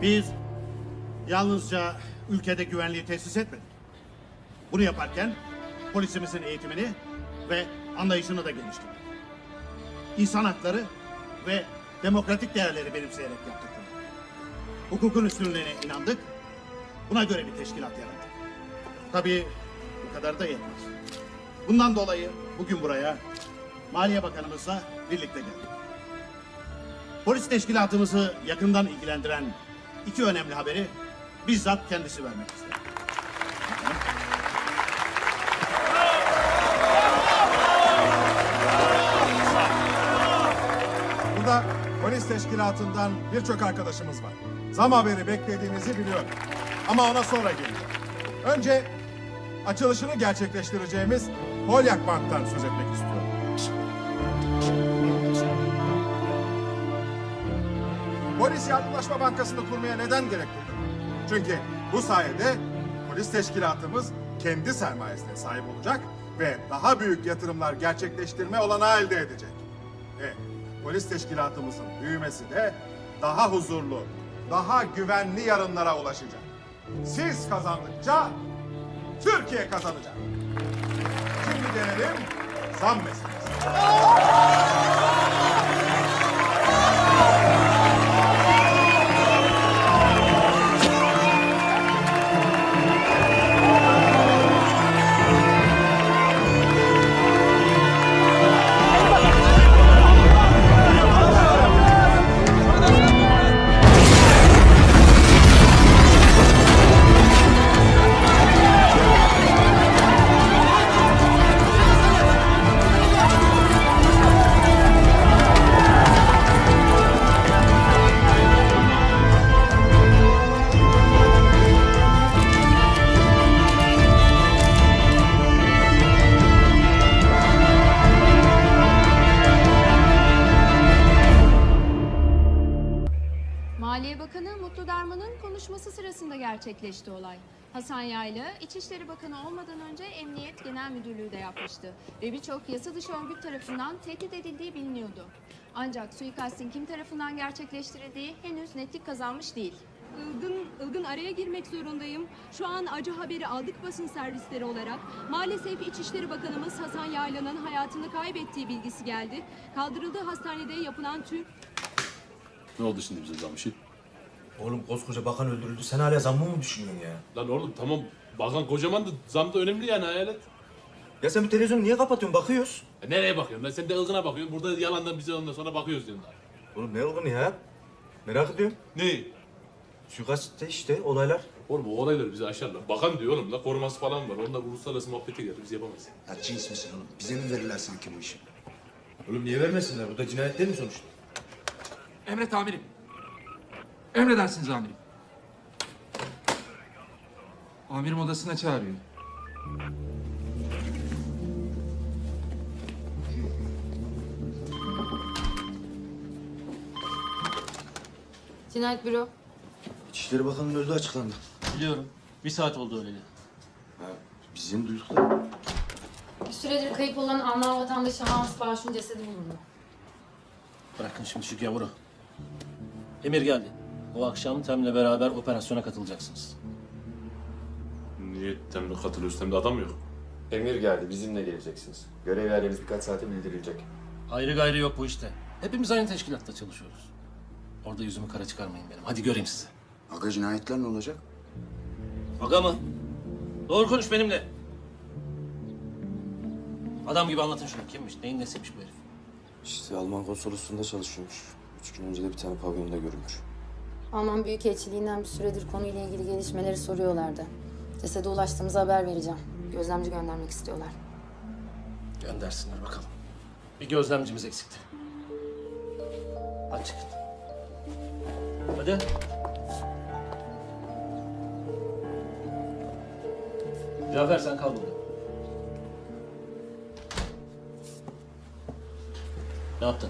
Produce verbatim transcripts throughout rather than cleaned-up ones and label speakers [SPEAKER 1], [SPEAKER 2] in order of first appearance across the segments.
[SPEAKER 1] Biz yalnızca ülkede güvenliği tesis etmedik. Bunu yaparken polisimizin eğitimini ve anlayışını da geliştirdik. İnsan hakları ve demokratik değerleri benimseyerek yaptık bunu. Hukukun üstünlüğüne inandık. Buna göre bir teşkilat yarattık. Tabii bu kadar da yetmez. Bundan dolayı bugün buraya Maliye Bakanımızla birlikte geldik. Polis teşkilatımızı yakından ilgilendiren iki önemli haberi bizzat kendisi vermek ister.
[SPEAKER 2] Burada polis teşkilatından birçok arkadaşımız var. Zam haberi beklediğinizi biliyorum. Ama ona sonra geleceğim. Önce açılışını gerçekleştireceğimiz Polyak Bank'tan söz etmek istiyorum. Polis Yardımlaşma Bankası'nı kurmaya neden gerek duydu? Çünkü bu sayede polis teşkilatımız kendi sermayesine sahip olacak ve daha büyük yatırımlar gerçekleştirme olanağı elde edecek. Ve polis teşkilatımızın büyümesi de daha huzurlu, daha güvenli yarınlara ulaşacak. Siz kazandıkça Türkiye kazanacak. Şimdi gelelim zam meselesi.
[SPEAKER 3] Maliye Bakanı Mutlu Darman'ın konuşması sırasında gerçekleşti olay. Hasan Yaylı, İçişleri Bakanı olmadan önce Emniyet Genel Müdürlüğü de yapmıştı ve birçok yasa dışı örgüt tarafından tehdit edildiği biliniyordu. Ancak suikastin kim tarafından gerçekleştirildiği henüz netlik kazanmış değil.
[SPEAKER 4] Ilgın, Ilgın araya girmek zorundayım. Şu an acı haberi aldık basın servisleri olarak. Maalesef İçişleri Bakanımız Hasan Yaylı'nın hayatını kaybettiği bilgisi geldi. Kaldırıldığı hastanede yapılan tüm...
[SPEAKER 5] Ne oldu şimdi bize zam işi?
[SPEAKER 6] Oğlum koskoca bakan öldürüldü. Sen hala zammı mı düşünüyorsun ya?
[SPEAKER 5] Lan oğlum tamam bakan kocaman da zam da önemli yani hayal et.
[SPEAKER 6] Ya sen bu televizyonu niye kapatıyorsun? Bakıyoruz.
[SPEAKER 5] E nereye bakıyorsun lan? Sen de ılgına bakıyorsun. Burada yalandan bize ondan sonra bakıyoruz diyorsun.
[SPEAKER 6] Oğlum ne ılgını ya? Merak ediyorum.
[SPEAKER 5] Ne?
[SPEAKER 6] Suikastte işte olaylar.
[SPEAKER 5] Oğlum o olayları bize aşarlar. Bakan diyor oğlum la koruması falan var. Onlar uluslararası muhabbete gelir. Biz yapamayız.
[SPEAKER 7] Ya cins misin oğlum? Bize mi verirler sanki bu işi?
[SPEAKER 6] Oğlum niye vermesinler? Bu da cinayet değil mi sonuçta?
[SPEAKER 8] Emret amirim. Emredersiniz amirim. Amirim odasına çağırıyor.
[SPEAKER 3] Cinayet büro.
[SPEAKER 7] İçişleri Bakanı'nın öldüğü açıklandı.
[SPEAKER 9] Biliyorum. Bir saat oldu öyle.
[SPEAKER 7] Ha, biz yeni duyduk da.
[SPEAKER 3] Bir süredir kayıp olan Alman vatandaşı Hans Bağış'ın cesedi bulundu.
[SPEAKER 9] Bırakın şimdi şu gavuru. Emir geldi. O akşam Tem'le beraber operasyona katılacaksınız.
[SPEAKER 5] Niye temle katılıyoruz? Temde adam yok.
[SPEAKER 10] Emir geldi, bizimle geleceksiniz. Görev yerleriniz birkaç saate bildirilecek.
[SPEAKER 9] Ayrı gayrı yok bu işte. Hepimiz aynı teşkilatta çalışıyoruz. Orada yüzümü kara çıkarmayın benim. Hadi göreyim sizi.
[SPEAKER 7] Aga cinayetler ne olacak?
[SPEAKER 9] Aga mı? Doğru konuş benimle. Adam gibi anlatın şunu. Kimmiş? Neyin nesiymiş bu herif?
[SPEAKER 10] İşte Alman konsolosluğunda çalışıyormuş. Üç gün önce de bir tane pavyonda görülmüş.
[SPEAKER 11] Alman Büyükelçiliğinden bir süredir konuyla ilgili gelişmeleri soruyorlardı. Cesede ulaştığımızda haber vereceğim. Gözlemci göndermek istiyorlar.
[SPEAKER 9] Göndersinler bakalım. Bir gözlemcimiz eksikti. Hadi çıkın. Hadi. Cafer sen kal burada. Ne yaptın?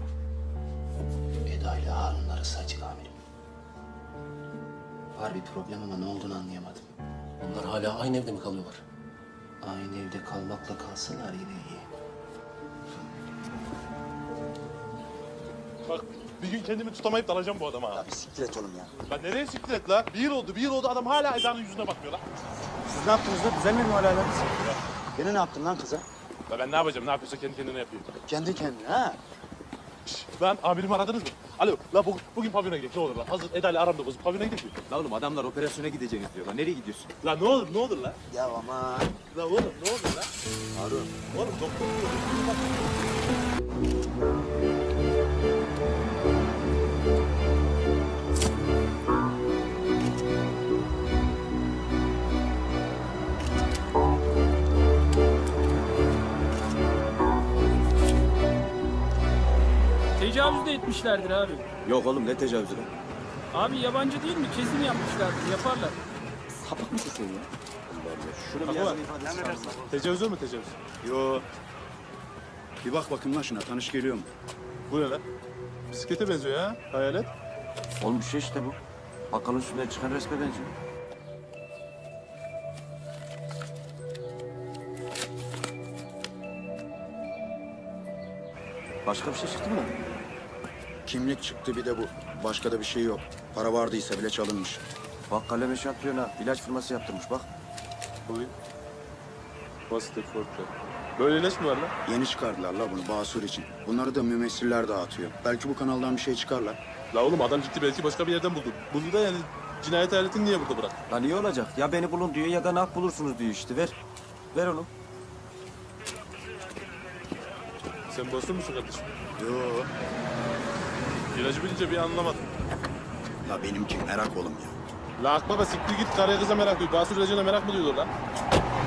[SPEAKER 7] Eda ile Harun'un arası açık amirim. Var bir problem ama ne olduğunu anlayamadım.
[SPEAKER 9] Onlar hala aynı evde mi kalıyorlar?
[SPEAKER 7] Aynı evde kalmakla kalsalar yine iyi.
[SPEAKER 5] Bak
[SPEAKER 12] Bir gün kendimi tutamayıp dalacağım bu adama ha.
[SPEAKER 7] Ya bir siktir et oğlum ya.
[SPEAKER 12] Lan nereye siktir et la? Bir yıl oldu, bir yıl oldu adam hala Eda'nın yüzüne bakmıyor la.
[SPEAKER 7] Siz ne yaptınız da düzelmedi mi hala aranız? Gene ne yaptın lan kıza?
[SPEAKER 12] La ben ne yapacağım? Ne yapıyorsa kendi kendine yapıyor.
[SPEAKER 7] Kendi kendine ha?
[SPEAKER 12] Şşş, lan amirimi aradınız mı? Alo, la bugün, bugün pavyona gidelim ne olur la. Hazır Eda ile aramda bozuk pavyona gidelim.
[SPEAKER 6] La oğlum adamlar operasyona gideceğiniz diyorlar. Nereye gidiyorsun?
[SPEAKER 12] La ne olur, ne olur la.
[SPEAKER 7] Ya aman.
[SPEAKER 12] La oğlum ne olur la. Harun. Oğlum doktor diyor.
[SPEAKER 8] Tecavüz de etmişlerdir abi.
[SPEAKER 10] Yok oğlum ne tecavüzü lan?
[SPEAKER 8] Abi yabancı değil mi? Kesin yapmışlardır. Yaparlar.
[SPEAKER 10] Sapık mısın sen ya? Allah Allah. Şunu bir
[SPEAKER 12] Baba,
[SPEAKER 10] yazın ifadesi.
[SPEAKER 12] Tecavüz mü tecavüz?
[SPEAKER 7] Yo. Bir bak bakayım lan şuna tanış geliyor mu?
[SPEAKER 12] Bu ne lan? Bisiklete benziyor ya, hayalet.
[SPEAKER 10] Oğlum bir şey işte bu. Bakkalın üstünden çıkan resme benziyor. Başka bir şey çıktı mı?
[SPEAKER 7] Kimlik çıktı bir de bu. Başka da bir şey yok. Para vardıysa bile çalınmış.
[SPEAKER 10] Bak kaleme şampiyona ilaç firması yaptırmış bak.
[SPEAKER 12] Bugün. Basit forte. Böyle ilaç mı var lan?
[SPEAKER 7] Yeni çıkardılar la bunu Basur için. Bunları da mümessiller dağıtıyor. Belki bu kanaldan bir şey çıkarlar.
[SPEAKER 12] La oğlum adam ciddi belki başka bir yerden buldu. Buldu da yani cinayet aletini niye burada bırak?
[SPEAKER 10] Lan iyi olacak. Ya beni bulun diyor ya da nak bulursunuz diyor işte. Ver. Ver onu.
[SPEAKER 12] Sen basur musun kardeşim?
[SPEAKER 7] Yo.
[SPEAKER 12] İlacı bilince bir anlamadım.
[SPEAKER 7] La benimki merak oğlum ya.
[SPEAKER 12] La akbaba siktir git karıya kıza merak duyuyor. Basur ilacına merak mı duyuyorlar lan?